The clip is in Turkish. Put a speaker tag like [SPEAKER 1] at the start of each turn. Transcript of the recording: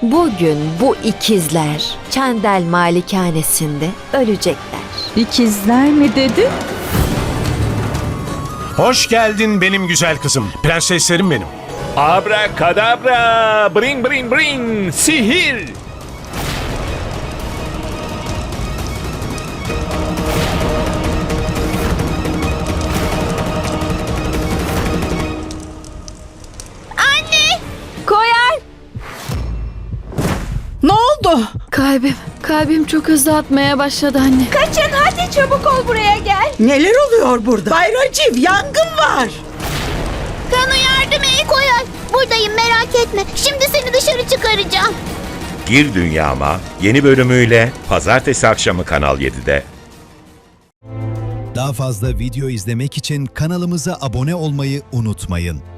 [SPEAKER 1] Bugün bu ikizler Çandel Malikanesinde ölecekler.
[SPEAKER 2] İkizler mi dedi?
[SPEAKER 3] Hoş geldin benim güzel kızım. Prenseslerim benim.
[SPEAKER 4] Abrakadabra, bring bring bring, sihir.
[SPEAKER 2] Koyal! Ne oldu?
[SPEAKER 1] Kalbim çok hızlı atmaya başladı anne.
[SPEAKER 2] Kaçın hadi çabuk ol buraya gel.
[SPEAKER 5] Neler oluyor burada? Bay Raciv, yangın var.
[SPEAKER 6] Kanu yardım et. Koyal, buradayım merak etme. Şimdi seni dışarı çıkaracağım.
[SPEAKER 7] Gir Dünyama yeni bölümüyle pazartesi akşamı Kanal 7'de.
[SPEAKER 8] Daha fazla video izlemek için kanalımıza abone olmayı unutmayın.